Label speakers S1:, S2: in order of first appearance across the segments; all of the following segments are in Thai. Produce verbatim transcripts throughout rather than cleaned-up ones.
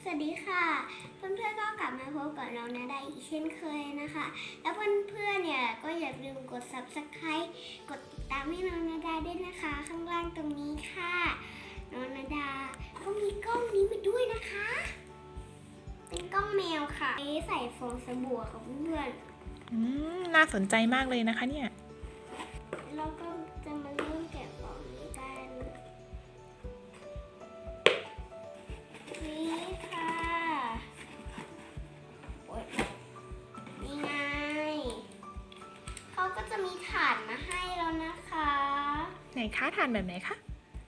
S1: สวัสดีค่ะเพื่อนๆก็กลับมาพบกับน้องนาดาอีกเช่นเคยนะคะแล้วเพื่อนๆเนี่ยก็อย่าลืมกด ซับสไครบ์ กดติดตามให้น้องนาดาด้วยนะคะข้างล่างตรงนี้ค่ะน้องนาดาก็มีกล้องนี้มาด้วยนะคะเป็นกล้องแมวค่ะใส่ฟองสบู่กับเพื่อนๆ
S2: อืมน่าสนใจมากเลยนะคะเนี่ย
S1: เราก็จะมาเริ่มแกะกล่องนี้กันนี่ค่ะโอ๊ยนี่ไงเขาก็จะมีถาดมาให้แล้วนะคะ
S2: ไหนคะทานแบบไหนคะ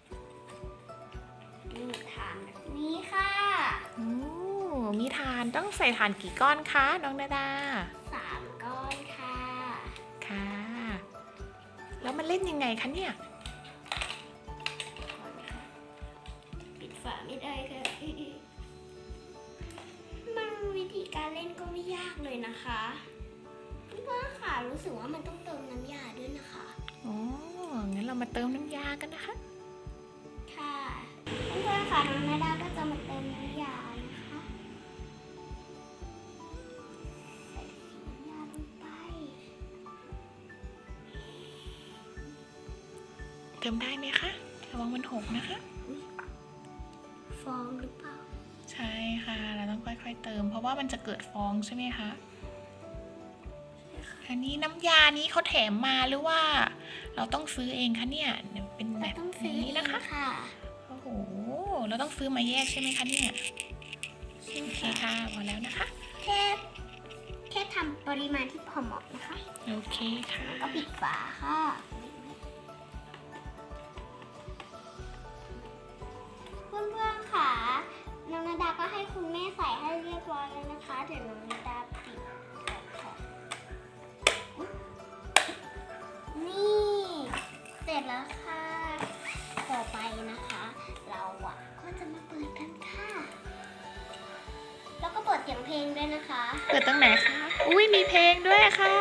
S1: นี่ถาดแบบนี้ค่ะ
S2: โอ้มีทานต้องใส่ทานกี่ก้อนคะน้องนาดา
S1: สามก้อนค่ะ
S2: ค่ะแล้วมันเล่นยังไงคะเนี่ย
S1: ปิดฝาไม่ได้ค่ะมันวิธีการเล่นก็ไม่ยากเลยนะคะพี่ว่าค่ะรู้สึกว่ามันต้องเติมน้ำยาด้วยนะคะ
S2: อ๋องั้นเรามาเติมน้ำยากันนะคะ
S1: ค่ะเพื่อนๆค่ะน้องนาดาก็จะมาเติมน้ำยานะคะใส่น้ำยาลงไป
S2: เติมได้ไหมคะระวังมันหกนะคะ
S1: ฟองหรือเปล่า
S2: ใช่ค่ะเราต้องค่อยๆเติมเพราะว่ามันจะเกิดฟองใช่ไหมคะอันนี้น้ำยานี้เขาแถมมาหรือว่าเราต้องซื้อเองคะเนี่ยเป็นแบบนี้นะคะโอ้โหเราต้องซื้อมาแยกใช่ไหมคะเนี่ยโอเคค่ะพอแล้วนะคะ
S1: แค่แค่ทำปริมาณที่พอเหมาะนะคะ
S2: โอเคค่ะ
S1: ก็ปิดฝาค่ะเพื่อนๆค่ะน้องนาดาก็ให้คุณแม่ใส่ให้เรียบร้อยแล้วนะคะเดี๋ยวน้องนาดาปิดนี่เสร็จแล้วค่ะต่อไปนะคะเราอ่ะก็จะมาเปิดกันค่ะแล้วก็เปิดเสียงเพลงด้วยนะคะ
S2: เปิดตรงไหนคะอุ้ยมีเพลงด้วยค่ะ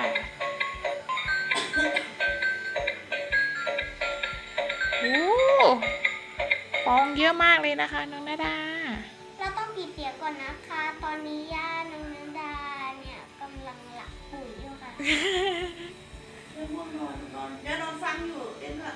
S2: โอ้ฟองเยอะมากเลยนะคะน้องนาดา
S1: เราต้องปิดเสียงก่อนนะคะตอนนี้ย่าน้องนาดาเนี่ยกำลังหลับปุ๋ยอยู่ค่ะ
S3: เรื่องง่วงนอนนอนเดี๋ยวนอนฟังอยู่เต้นอะ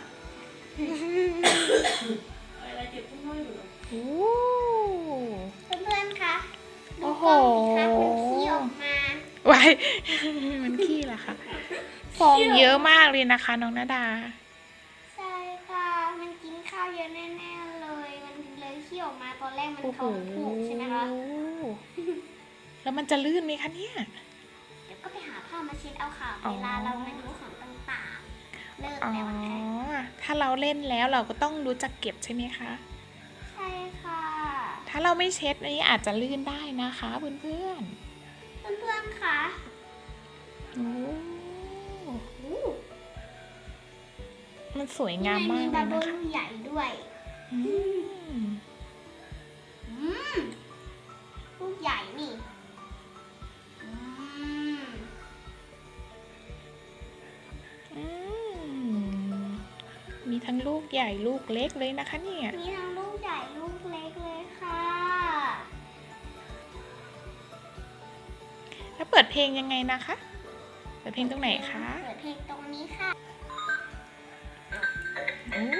S3: อะไรเจ็บทุ่งน้อยอยู่
S2: โอ้
S1: เพื่อนๆคะดู
S2: โอ้โห
S1: กล้องสิคะมันขี้ออกมา
S2: ไว้มันขี้เหรอคะฟองเยอะมากเลยนะคะน้องนาดา
S1: ใช่ค่ะมันกินข้าวเยอะแน่ๆเลยมันเลยขี้ออกมาตอนแรกมันท้องผูกใช่ไหมคะ
S2: แล้วมันจะลื่นไหมคะเนี่ย
S1: เดี๋ยวก็ไปหาผ้ามาเช็ดเอาค่ะเวลาเรามาดูของต่างๆเลิกแล้วนะคะ
S2: ถ้าเราเล่นแล้วเราก็ต้องรู้จักเก็บใช่ไหมคะ
S1: ใช่ค่ะ
S2: ถ้าเราไม่เช็ดนี้อาจจะลื่นได้นะคะเพื่อนเพื่อน
S1: เพื่อนๆค่ะ
S2: โอ้มันสวยงามมากเลยนะคะ
S1: มีบับเบิ้ลใหญ่ด้วยลูกใหญ่นี่
S2: มีทั้งลูกใหญ่ลูกเล็กเลยนะคะเนี่ย
S1: มีทั้งลูกใหญ่ลูกเล็กเลยค่ะ
S2: แล้วเปิดเพลงยังไงนะคะเปิดเพลงตรงไหนคะ
S1: เปิดเพลงตรงนี้ค่ะ
S2: โอ้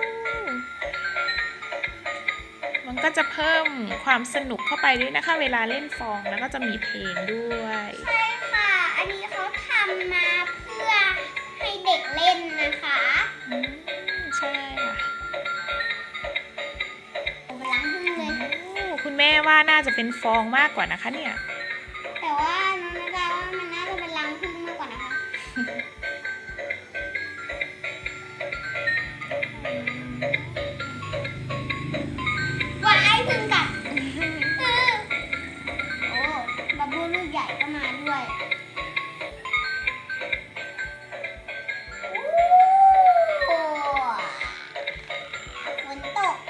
S2: มันก็จะเพิ่มความสนุกเข้าไปด้วยนะคะเวลาเล่นฟองแล้วก็จะมีเพลงด้วย
S1: ใช่ค่ะอันนี้เขาทำมาเพื่อให้เด็กเล่นนะคะ
S2: อืมใช่ค่ะ
S1: เวลาพึ่งเลย
S2: คุณแม่ว่าน่าจะเป็นฟองมากกว่านะคะเนี่ย
S1: แต่ว่าน้องนาดาว่ามันน่าจะเป็นรังผึ้งมากกว่านะคะว่าไอ้พึ่งกัดโอ้บับเบิ้ลลูกใหญ่ก็มาด้วยโอ้ฝนตก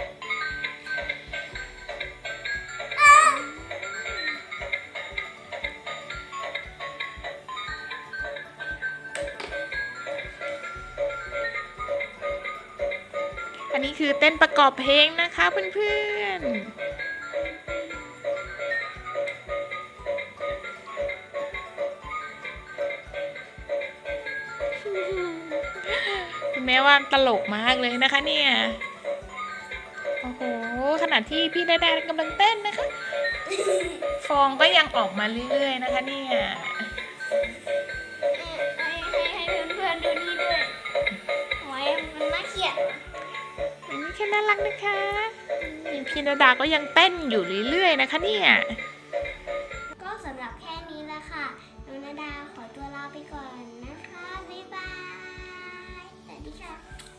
S2: อันนี้คือเต้นประกอบเพลงนะคะเพื่อนๆแม่ว่าตลกมากเลยนะคะเนี่ยโอ้โหขณะที่พี่ดาดากำลังเต้นนะคะ ฟองก็ยังออกมาเรื่อยๆนะคะเนี่ย
S1: ให้ให้ให้เพื่อนๆดูนี่ด้วยโอ้ยมันน่าเกลียด
S2: อันนี้แค่น่ารักนะคะนี่พี่ดาดาก็ยังเต้นอยู่เรื่อยๆนะคะเนี่ย
S1: ก็สำหรับแค่นี้แหละค่ะน้องนาดาขอตัวลาไปก่อนนะคะ บ๊ายบาย สวัสดีค่ะ